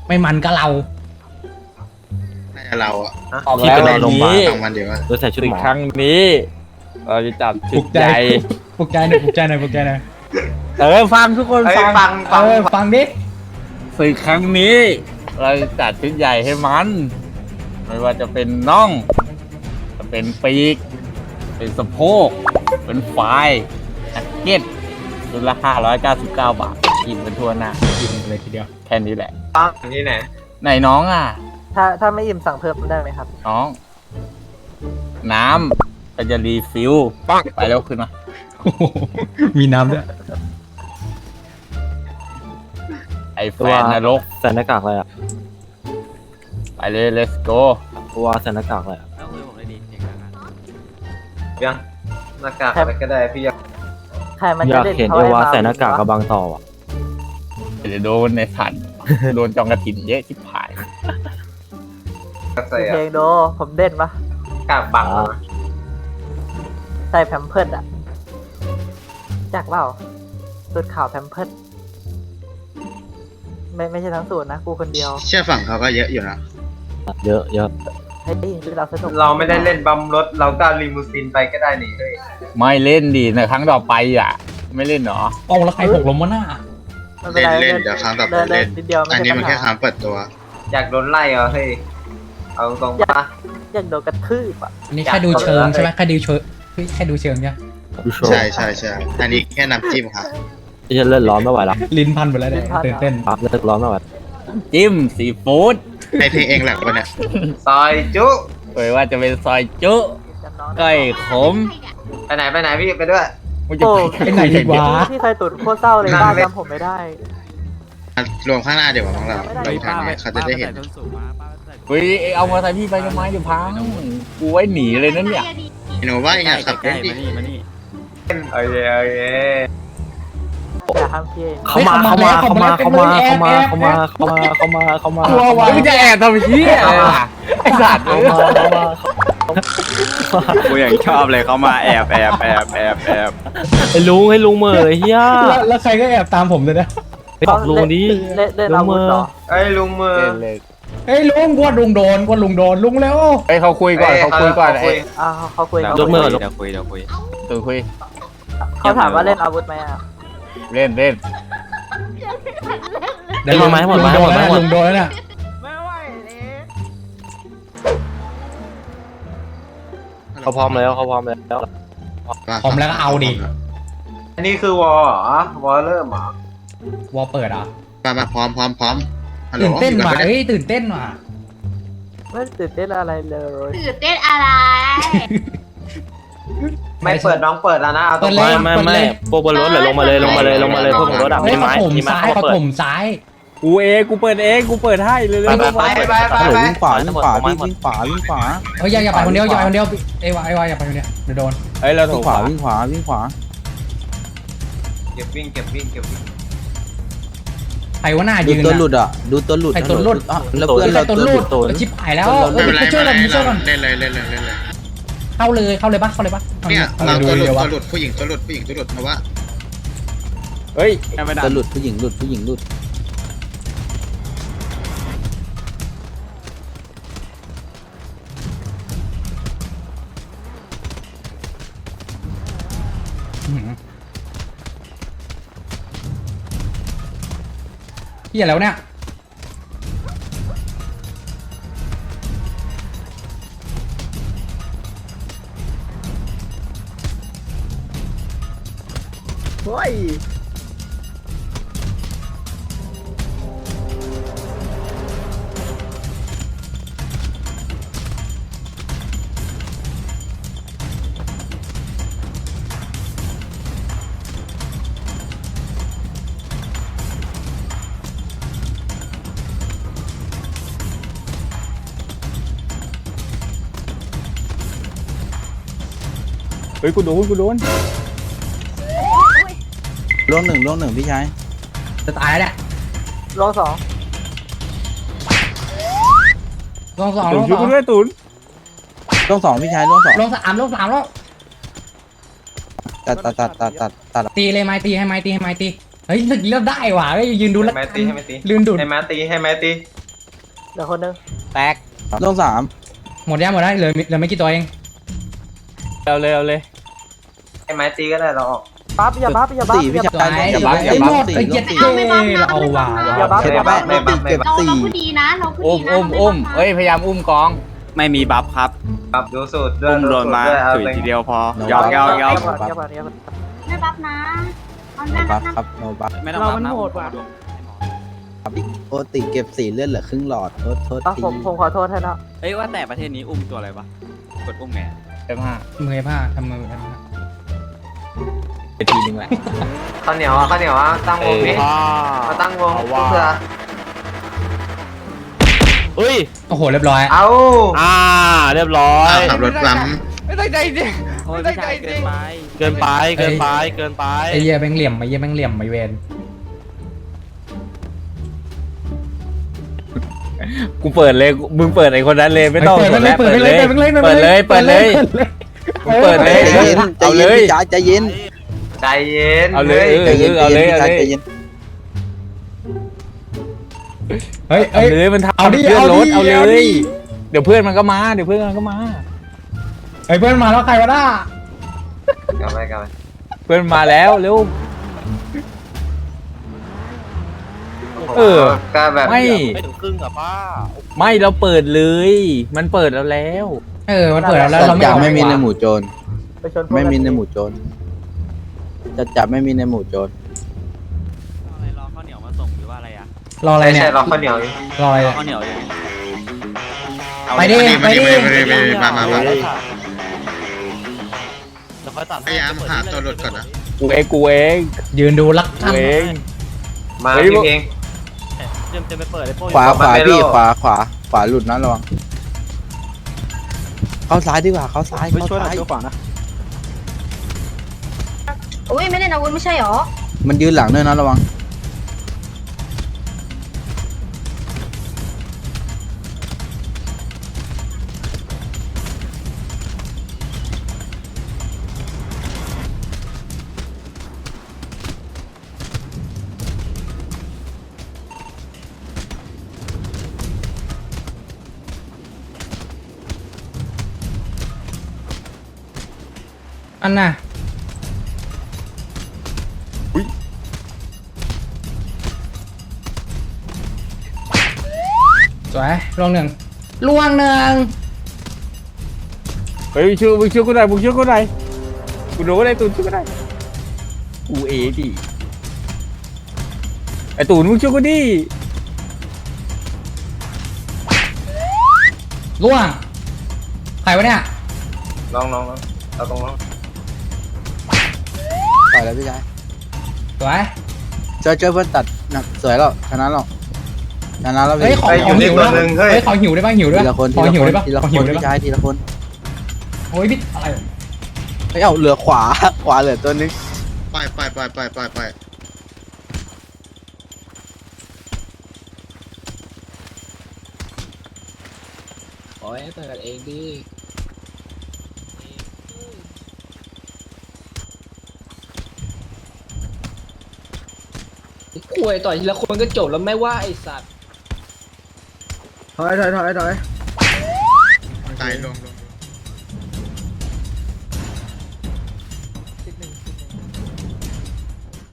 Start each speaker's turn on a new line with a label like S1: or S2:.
S1: ไม่มันก็เรา
S2: น่าจะเราอ่ะ
S3: ออก
S4: ที่
S3: แล้ว
S4: ไปนอนโรงพยาบาล
S2: ฟังมันเดี๋ยวว่า
S4: โดยใส่ชุด
S3: อี
S4: ห
S3: ก
S4: มอ
S3: ครั้งนี้ เราจะจับ
S1: ป
S3: ชุ
S1: ลุ
S3: ด
S1: กใจ
S3: ใหญ่
S1: ปลุกใจหน่อยปลุกใจหน่อยปลุกใจหน่อย
S3: ฟังทุกคน
S5: เอ้ย
S3: ฟัง
S5: ฟัง
S1: ฟังดิ
S3: ศึกครั้งนี้ เราจะจัดชุดใหญ่ให้มัน ไม่ว่าจะเป็นน่อง จะเป็นปีก เป็นสะโพก เป็นฝายแจ็คเก็ตชุดละ599 บาทกินเป็นทั่วหน้า
S1: กินเลยทีเดียว
S3: แค่นี้แหละ
S5: ฟังนี่ไหน
S3: ไหนน้องอ่ะ
S6: ถ้าไม่อิ่มสั่งเพิ่มได้ไหมครับ
S3: น้อง น้ำก็จะรีฟิลไปแล้วขึ้นมา
S1: โอ้โหมีน้ำด้วย
S3: ไอแฟนนรก
S4: ใส่หน้ากากอะไรอ่ะ
S3: ไปเลย let's go
S4: ตัวใส่หน้ากากอะไรอ่ะ
S5: ยังหน้ากากอะไรก็ได้พี่ยัง
S6: ใครมัน
S4: อ
S6: จะ
S4: ยาก
S6: เล่น
S4: เห็น
S6: เขา
S4: เอ
S6: ให้
S4: วา
S6: มา
S4: ใส่หน้ากากกับบางต่ออ่ะ
S3: เดี๋ยวโดนในสัตว์ โดนจองกระถินเยอะชิบหาย
S5: ก็ใส่
S6: เพลงโดผมเด่นปะ
S5: กากบังนะ
S6: ใส่แพมเพิร์ดอะจากเปล่าสูตรขาวแพมเพิร์ดไม่ใช่ทั้งสูตรนะกูคนเดียว
S2: เชื่อฝั่งเขาก็เยอะอยู่นะ
S4: เยอะเยอะ
S6: ให้ยหรือเราสนุก
S5: เราไม่ได้เล่นบัมรถเราก็ลิมูซินไปก็ได้นี่เฮ้ย
S3: ไม่เล่นดีในครั้งต่อไปอ่ะ ไม่เล่นเหรอ
S1: โอ้แล้วใครหกลมวะหน้า
S6: ไม่เป็นไร
S2: เล่นเดี๋ยวครั้งต่อไปเล่น
S6: นิดเดียวไม่
S2: อัน
S6: ใช่
S2: นี้
S6: ปั
S2: มัน
S6: ญ
S2: แค่
S6: หา
S2: ครั้งเปิดตัว
S5: อยากโดนไล่เหรอเฮ้ยเอาตรงๆปะ
S6: อยากโดนกระทืบอะ
S1: อันนี้แค่ดูเชิงใช่ไหมแค่ดูเชิงแค่ดูเชิงเนี่ย
S4: ดูโชว์
S2: ใช่ใช่ใช่อันนี้แค่น้ำจิ้มครับ
S4: ที่จะเล่นร้อนไม่ไหวแล้ว
S1: ลิ้นพันไปแล้วเนี่ยตื่นเต้น
S4: ครับเลิกร้อนไม่ไหว
S3: จิ้มซีฟู้ด
S2: ให้เพลงเองแหละวะเนี่ย
S5: ซอยจุ
S3: เอ่ยว่าจะเป็นซอยจุ
S6: จำน้อง
S3: ก้อยขม
S5: ไปไหนพี่ไปด้วย
S3: มึงจะ
S6: โอ้
S1: ไปไหนดีวะ
S6: ที่เคยตุ่นโคตรเศร้าเลย
S5: นั่ง
S6: บ้าน
S5: เล่น
S6: จำผมไม่ได้
S2: รวมข้างหน้าเดี๋ยวของเรา
S6: ไม่ได้
S2: ลงทางนี้เขาจะได้เห็น
S3: เฮ้ยเอามอเตอร์ไซค์พี่ไปทำไมเดี๋ยวพังกูไว้หนีเลยนั่นเนี่ย
S2: หนูว่าอย่างขับรถดิ
S5: โอเคโอเค
S6: อย่าห้ามพี่เอง
S4: เข้ามาเข้ามาเข้ามาเข้ามาเข้ามาเข้ามาเข้ามาเข้ามาเข้ามา
S1: กลัววะ
S3: มึงจะแอบทำเหี้ยอะไรล่ะไอ้สัตว์
S4: เข้ามาเข้ามา
S7: กูอย่างชอบเลยเขามาแอบแอบแอบแอบแอบ
S4: ให้ลุงเหม่อเฮีย
S1: แล้วใครก็แอบตามผมเลยนะ
S4: ไปบอกลุงดิ
S6: เล่นอาวุธเหรอ
S5: เอ้ยลุงมือ
S3: เล่นเลย
S1: เฮ้ยลุงกวนลุงโดนลุงแล้ว
S3: เฮ้ยเขาคุยก่อนเขาคุยก่อนไอ้
S6: เขาคุย
S4: ยกมือ
S7: เดี๋ยวคุย
S3: ตัวคุย
S6: เขาถามว่าเล่นอาวุธไหมอะ
S3: เล่น
S1: เดี๋ยวลุงโดนแล้วเนี่ย
S4: เขาพร้อมแล้วเขาพร้อมแล้ว
S1: ผมแล้วก็เอาดิ
S5: อันนี้คือวอลเหรอวอลเริ่มเหรอ
S1: วอลเปิดอ่ะ
S2: มาพร้อมฮัลโหล
S1: ตื่นเต้น
S2: อยู่
S1: ว่ะ
S2: กัปะ
S1: เฮ้ยตื่นเต้นว่ะ
S6: ไม่ตื่นเต้นอะไรเลย
S8: ตื่นเต้นอะไร
S5: ไม่เปิดน้องเปิดแล้วนะเอาตรง
S4: ไม่พวกบนรถเลยลงมาเลยพวกบนรถอ่ะ
S1: เฮ้ย
S4: มีไม้
S1: เขาถม
S4: มีไม้
S1: ซ้าย
S4: เขา
S1: เขา
S4: เปิด
S1: ถมซ้าย
S3: กูเปิดให้เลย
S5: ไป
S7: วิ่งขวาวิ่งขวาพี่วิ่งขวาวิ่งขวา
S1: เฮ้ยอย่าไปคนเดียวไอ้วายอย่าไปคนเดียวเดี๋ยวโดน
S3: เฮ้ยเราถู
S7: วิ่
S3: ก
S7: งขวาวิ่งขวาวิ่งขวา
S5: เก็บวิ่ง
S1: ใครว่าหน้า
S7: ดู
S1: ยืน
S7: ตัวหลุดอ่ะดูตัวหลุด
S1: ใครตัวหลุด
S7: แล้วเพื่อน
S1: ใคร
S7: เรา
S1: ตัว
S7: ตัว
S1: ห
S7: ห
S1: ลุ
S7: ลุ
S1: ด
S7: ดตัว
S1: ชิบหายแล้ว
S2: ไม่เป็นไร
S1: ช่วยกัน
S2: ไม่
S1: ช่วย
S2: เป็
S1: กัน
S2: นไรเล่นเลย
S1: เข้าเลยปะ
S2: เนี่ย
S1: เอา
S2: เรา
S1: ดู
S2: ตัวหลุด
S1: เดี๋ยววะ
S2: ตัวหลุดผู้หญิงตัวหลุดเพราะว่า
S3: เฮ้ย
S7: ตัวหลุดผู้หญิงหลุดผู้หญิงหลุด
S1: พี่อะไรวะเนี่ย
S3: เฮ้ยกูโดน
S7: ล่วงหนึ่งพี่ชาย
S1: จะตายแล้วเนี่ย
S6: ลองสอง
S1: ลงสอง
S3: ตุ
S1: ล
S3: น
S1: ง
S3: ช่วย
S1: สอ
S3: กู
S1: ง
S3: ด้วยตุน
S7: ล่วงสองพี่ชายล่วงสอง
S1: ลงสามแล้ว
S7: ตัด
S1: ตีเลยไม้ตีให้ไม้ตีเฮ้ยเลือกได้ว่ะเฮ้ยยืนดู
S5: ให้
S1: แล้ว
S5: แมตตีให้แมตตี
S1: ลืมดูด
S5: ให้แมตตีให้แมตตี
S6: เดี๋ยวคนนึง
S3: แตก
S4: ลงสาม
S1: หมดยังหมดแล้วเหลือไม่กี่ตัวเอง
S3: เอาเลยเอาเลย
S5: ให้แมตตีก็ได้เราออก
S6: บัฟอย่าบัฟอย่าบัฟ
S4: สี่
S6: อ
S4: พี่
S6: ย่า
S4: ชาย
S3: อย่าบัฟอย่า
S1: ไอ้
S3: บั
S1: หม
S3: ฟ
S1: ดไอ้เจ็ด
S4: สี่
S1: เท่เราเอาว่ะ
S6: อย่าบัฟ
S5: ไม่
S6: อย่า
S5: บั
S6: บั
S5: ฟ
S6: ฟ
S5: ไม่บัฟไม่บัฟ
S8: เราคือดีนะเราคือ
S3: อุ้ม
S8: ดีนะ
S3: อุ้มเอ้ยพยายามอุ้มกอง
S7: ไม่มีบัฟครับ
S5: ครับดูสูตรด้วย
S7: อุ้มโดนมา
S5: เอา
S7: ถุย
S5: เลย
S7: ทีเดียวพอ
S4: เรา
S7: ยอกยอกยอก
S8: ไม่บัฟนะเอาหน้า
S4: บัฟครับโนบัฟ
S7: ไม่ต้องบัฟนะ
S4: โอติเก็บ4เลือดเหลือครึ่งหลอดโทษที
S6: ผมขอโทษให้แล้ว
S7: เฮ้ยว่าแต่ประเทศนี้อุ้มตัวอะไรวะกดอุ้มไง
S3: F5
S1: มือผ้าทำมือผ้า
S3: ไปทีนึงแหละ
S5: ข้าวเหนียวอ่ะข้าวเหนียวอ่ะตั้งวงนี้มาตั้งวงเพื่อ
S4: เฮ้ย
S1: โอ้โหเรียบร้อย
S5: เอา
S4: เรียบร้อย
S2: ขับรถล้
S3: ไม่ตั้งใจจริง
S7: โอ้ยพี่ชายเกินไป
S4: เกินไปเกินไปเกินไป
S1: ไอ้เหี้ยแม่งเหลี่ยมไอ้เหี้ยแม่งเหลี่ยมไอ้เวน
S3: กูเปิดเลยมึงเปิดไอ้คนนั้นเลยไม่ต้อง
S1: เปิดเลย
S3: เปิดเลย
S1: เปิดเลย
S3: เปิดเลยเปิดเลยมึงเปิดเลย
S4: ใจเย็นใจ
S3: เอาเล
S4: เย็น
S3: ย
S4: พี่จ๋าใจเย็น
S5: ใจเย็น
S3: เอาเลย
S4: ใจเย็น
S3: เอาเลย
S4: พี่
S3: เอา
S4: จ๋า
S3: เลย
S4: ใจเย็น
S1: เฮ้ย
S3: เอา
S1: เฮ้ย
S3: เลยมันทำ
S1: เอาดิ
S3: เพื่อนรถ
S1: เอา
S3: เอา
S1: ดิ
S3: เล
S1: เอาดิ
S3: ยเดี๋ยวเพื่อนมันก็มาเดี๋ยวเพื่อนมันก็มา
S1: เฮ้ยเพื่อนมาแล้วใครวะน่าก
S5: ลับไปกลับไป
S3: เพื่อนมาแล้วเร็ว เออ
S5: ก็แบบ
S3: ไม่
S4: ไม่ถึงครึ่งอะป้า
S3: ไม่เราเปิดเลย มันเปิดแล้วแล้ว
S1: มันเปิดแล้ว
S4: จั
S1: เรา
S4: ด
S1: ไม่
S4: จับ
S1: เอา
S4: ไม่มีในหมู่โจร
S6: ไปชนพวก
S4: ไม่มีในหมู่โจรจัดจับไม่มีในหมู่โจร
S7: อะไรรอข้าวเหนียวมาส่งหรือว่าอะไรอะ
S1: รออะไร
S5: ใช่
S1: เนี่
S5: ใช่
S1: ย
S5: เราข้าวเหนียว
S1: รออะไร
S7: รอ
S1: เนี่ย
S7: ข้าวเหนียวอยู่
S2: ำ
S1: ไปดิ
S2: มามา
S4: เดี๋ยวค่อยตัด
S2: พยายามหาตัวหลุดก่อนนะ
S3: กูเอง
S1: ยืนดูรัก
S3: กู
S1: ท่าน
S3: เอง
S5: มา
S3: เฮ้ย
S5: พี่เพลง
S4: จะไปเปิดไอ้พวก
S5: ขวา
S4: พี่ขวาหลุดนะระวังเข้าซ้ายดีกว่าเข้าซ้ายเข้าซ้ายขวานะ
S8: อุ้ยไม่เล่นอาวุธไม่ใช่หรอ
S4: มันยืนหลังด้วยนะระวัง
S1: อันน่ะสวยลวงหนึ่ง
S3: เฮ้ยมึงช่วยกูหน่อยกูรู้อะไรตูนช่วยกูได้กูเอดิไอตูนมึงช่วยกูดิ
S1: ล่วงใครวะเนี่ย
S5: ลองเอาตรงลอง
S4: ต่อยแล้วพี่ชาย
S1: สวย
S4: เจอเพื่อนตัดหนักสวยแล้วชนะแล้วชนะแล้ว
S1: เฮ้ย
S4: พี่
S1: ของหิวนะเฮ้ยของหิวได้ป่ะหิวด้ว
S4: ที
S1: ย
S4: ละคน
S1: ขอหิวได้ป่ะ
S4: ทีละ
S1: ขอ
S4: ค
S1: หิวน ได้
S4: พี่
S1: ป่ะ
S4: ชายทีละคน
S1: โอ้ยบิดอะไร
S4: ไม่เอาเหลือขวาเหลือตัวนึง
S2: ไป
S1: โอ้ยเปิดเองดิคุยต่อยทีละคนก็จบแล้วไม่ว่าไอสัตว์
S2: ตายลง